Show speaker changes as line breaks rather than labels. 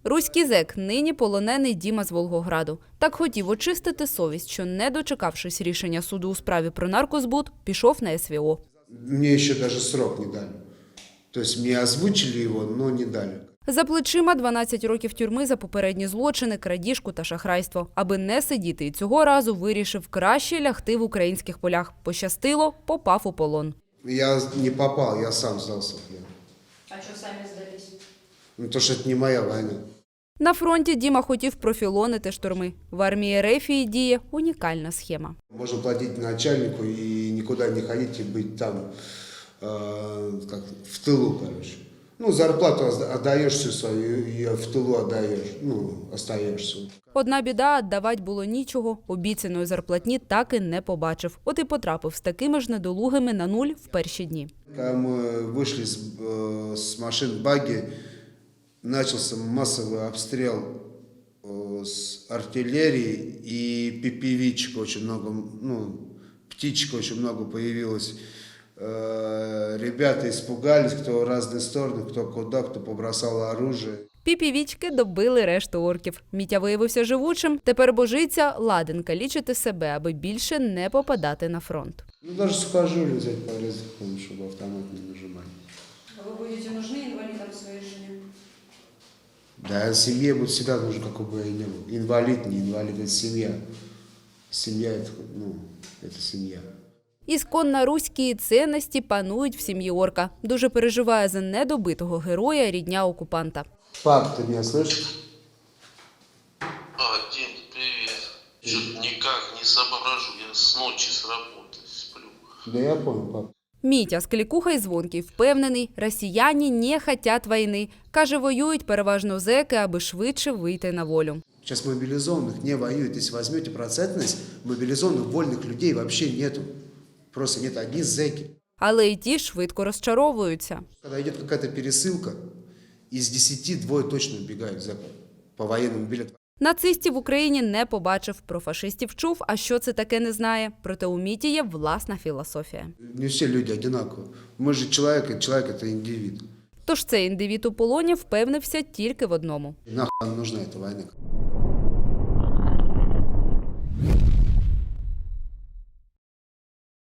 Руський зек, нині полонений Діма з Волгограду. Так хотів очистити совість, що, не дочекавшись рішення суду у справі про наркозбут, пішов на СВО.
Мне еще даже срок не дали. То есть мне озвучили его, но не дали.
За плечима 12 років тюрми за попередні злочини, крадіжку та шахрайство. Аби не сидіти і цього разу вирішив краще лягти в українських полях. Пощастило, попав у полон.
Я не попал, я сам сдался.
А что сами сдались?
Ну, то, что это не моя война.
На фронті Діма хотів профілонити штурми. В армії Рефії діє унікальна схема.
Можно платить начальнику и никуда не ходить и быть там, как в тылу, короче. Ну, зарплату отдаешь всю свою и в тылу отдаешь, ну, остаешься.
Одна біда – віддавати було нічого. Обіцяної зарплатні так і не побачив. От і потрапив з такими ж недолугими на нуль в перші дні.
Когда мы вышли с машин багги, начался массовый обстрел с артиллерии и пипевичек очень много, ну, птичек очень много появилось. Ребята испугались, кто в разные стороны, кто куда, кто побросал оружие.
Піпівічки добили решту орків. Мітя виявився живучим. Тепер божиться ладен калічити себе, аби більше не попадати на фронт.
Ну, даже сухожилие взять порезать, чтобы автомат не нажимать.
А вы будете нужны инвалидам своей жене?
Да, семье будет всегда нужен, какой бы я ни был. Инвалид, не инвалид, это семья. Семья, это, ну, это семья.
Ісконно руські цінності панують в сім'ї орка. Дуже переживає за недобитого героя рідня окупанта.
Пап, ты меня слышишь?
Дим, привет. Что-то никак не соображу, я с ночи с работы сплю.
Да я понял, пап.
Мітя з клікуха й звонкий впевнений, росіяни не хотять війни. Каже, воюють переважно зеки, аби швидше вийти на волю.
Сейчас мобилизованных не воюют. Если возьмете процентность, мобилизованных вольных людей вообще нету. Просто нет, одни зэки.
Але й ті швидко розчаровуються.
Когда идет какая-то пересылка, из 10 двое точно убегают зэков по военному билету.
Нацистів в Україні не побачив, про фашистів чув, а що це таке не знає. Проте у Міті є власна філософія.
Не все люди одинаковые. Мы же человек это индивид.
Тож цей індивід у полоні впевнився тільки в одному.
Нахуй нам нужна эта война.